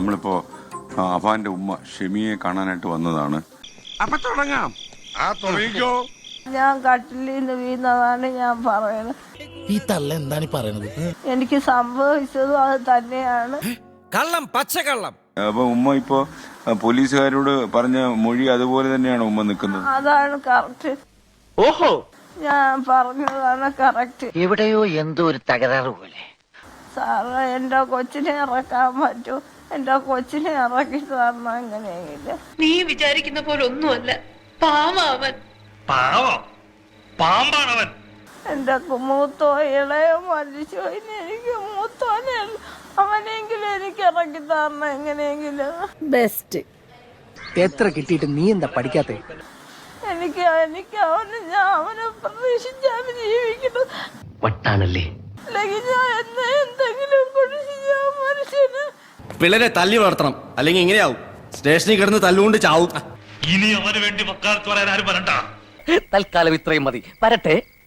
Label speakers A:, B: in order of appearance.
A: നമ്മളിപ്പോ അഫാന്റെ ഉമ്മ ഷെമിയെ കാണാനായിട്ട് വന്നതാണ്.
B: അപ്പൊ തുടങ്ങാം. തുടങ്ങിക്കോ.
C: ഞാൻ കട്ടിലിൽ നിന്ന് വീണതാണ് ഞാൻ പറയുന്നത്.
D: ഈ തള്ള എന്താണ് പറയുന്നത്?
C: എനിക്ക് സംഭവിച്ചതും അത് തന്നെയാണ്.
B: കള്ളം, പച്ചക്കള്ളം.
A: അപ്പൊ ഉമ്മ ഇപ്പോ പോലീസുകാരോട് പറഞ്ഞ മൊഴി അതുപോലെ തന്നെയാണ് ഉമ്മ നിൽക്കുന്നത്.
C: അതാണ് കറക്റ്റ്.
E: ഓഹോ,
C: ഞാൻ പറഞ്ഞതാണ് കറക്റ്റ്.
E: എവിടെയോ എന്തോ ഒരു തകരാറ് പോലെ.
C: സാറ് എന്റെ കൊച്ചിനെ ഇറക്കാൻ പറ്റൂ, എന്റെ കൊച്ചിനെ ഇറക്കി തരണം എങ്ങനെയെങ്കിലും.
F: നീ വിചാരിക്കുന്ന പോലെ ഒന്നുമല്ല, പാവൻ.
B: പാമ്പാണവൻ.
C: എന്റെ മൂത്തോ ഇളയോ മരിച്ചു, ഇനി എനിക്ക് മൂത്തോനെ അവനെങ്കിലും എനിക്ക് ഇറക്കി തരണം എങ്ങനെയെങ്കിലും. ബെസ്റ്റ്.
G: എത്ര കിട്ടിയിട്ട് നീ എന്താ പഠിക്കാത്ത?
C: എനിക്ക് ഞാൻ അവനെ പ്രതീക്ഷിച്ചാണ് ജീവിക്കുന്നത്.
E: വട്ടാണല്ലേ.
C: അല്ലെങ്കിൽ ഞാൻ എന്തെങ്കിലും കുടിച്ച് ഞാൻ മനുഷ്യന്.
H: പിള്ളേരെ തല്ലി വളർത്തണം, അല്ലെങ്കിൽ ഇങ്ങനെയാവും. സ്റ്റേഷനിൽ കിടന്ന് തല്ലുകൊണ്ട് ചാവും.
B: ഇനി അവന് വേണ്ടി വക്കാലത്ത് പറയാൻ ആരും വരണ്ട.
E: തൽക്കാലം ഇത്രയും മതി. വരട്ടെ.